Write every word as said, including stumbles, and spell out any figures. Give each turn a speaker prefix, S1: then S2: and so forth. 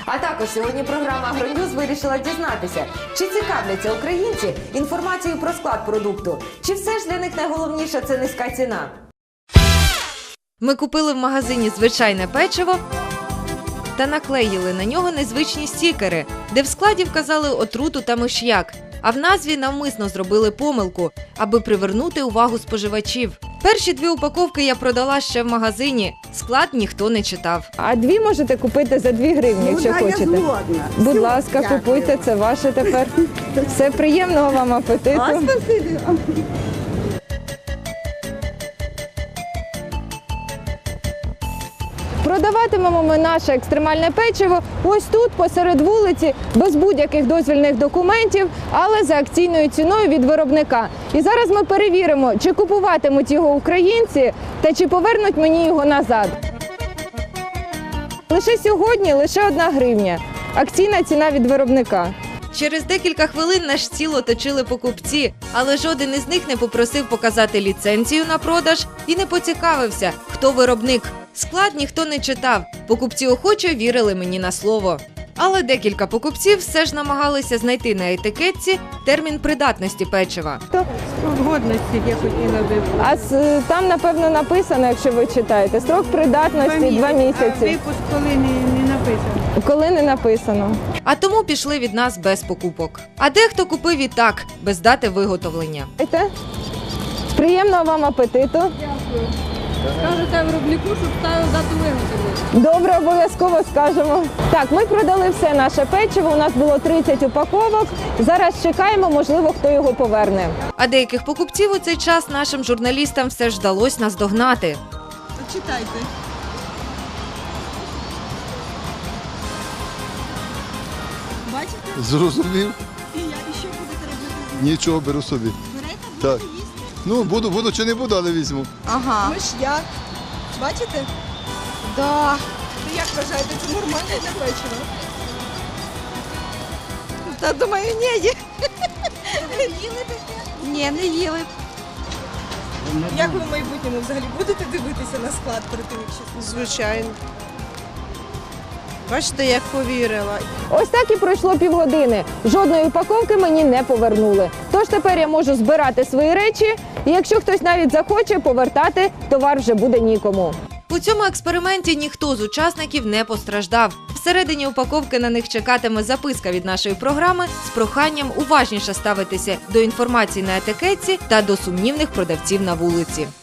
S1: А також сьогодні програма «Агроньюз» вирішила дізнатися, чи цікавляться українці інформацією про склад продукту, чи все ж для них найголовніше – це низька ціна. Ми купили в магазині звичайне печиво та наклеїли на нього незвичні стікери, де в складі вказали отруту та миш'як, а в назві навмисно зробили помилку, аби привернути увагу споживачів. Перші дві упаковки я продала ще в магазині, склад ніхто не читав.
S2: А дві можете купити за дві гривні, якщо
S3: Ну, да,
S2: хочете.
S3: я згодна.
S2: Будь
S3: Все,
S2: ласка,
S3: дякую.
S2: купуйте, це ваше тепер. Все, приємного вам апетиту.
S3: А, спасибі.
S2: Продаватимемо ми наше екстремальне печиво ось тут, посеред вулиці, без будь-яких дозвільних документів, але за акційною ціною від виробника. І зараз ми перевіримо, чи купуватимуть його українці та чи повернуть мені його назад. Лише сьогодні лише одна гривня. Акційна ціна від виробника.
S1: Через декілька хвилин наш стіл оточили покупці, але жоден із них не попросив показати ліцензію на продаж і не поцікавився, хто виробник. Склад ніхто не читав, покупці охоче вірили мені на слово. Але декілька покупців все ж намагалися знайти на етикетці термін придатності печива.
S4: Годності я хотіла би.
S2: А з- там, напевно, написано, якщо ви читаєте, строк придатності два
S4: А
S2: місяці.
S4: випуск коли не, не написано.
S2: Коли не написано.
S1: А тому пішли від нас без покупок. А дехто купив і так, без дати виготовлення.
S2: Знаєте? Приємного вам апетиту.
S4: Скажете виробнику, щоб ставив дату виготовлення.
S2: Добре, обов'язково скажемо. Так, ми продали все наше печиво, у нас було тридцять упаковок. Зараз чекаємо, можливо, хто його поверне.
S1: А деяких покупців у цей час нашим журналістам все ж вдалося наздогнати.
S3: Читайте. Бачите?
S5: Зрозумів.
S3: І я і що будете робити?
S5: Нічого, беру собі.
S3: Берете,
S5: Так.
S3: будете їсти?
S5: Ну, буду, буду чи не буду, але візьму.
S3: Ага. Ми ж я. Бачите? Да. Ви як вважаєте, це нормальне для вечора? Та думаю, ні. Ви їли таке? Ні, не їли. Як ви в майбутньому взагалі будете дивитися на склад перед тим, якщо?
S6: Звичайно. Бачите, як повірила.
S2: Ось так і пройшло півгодини. Жодної упаковки мені не повернули. Тож тепер я можу збирати свої речі, і якщо хтось навіть захоче повертати, товар вже буде нікому.
S1: У цьому експерименті ніхто з учасників не постраждав. Всередині упаковки на них чекатиме записка від нашої програми з проханням уважніше ставитися до інформації на етикетці та до сумнівних продавців на вулиці.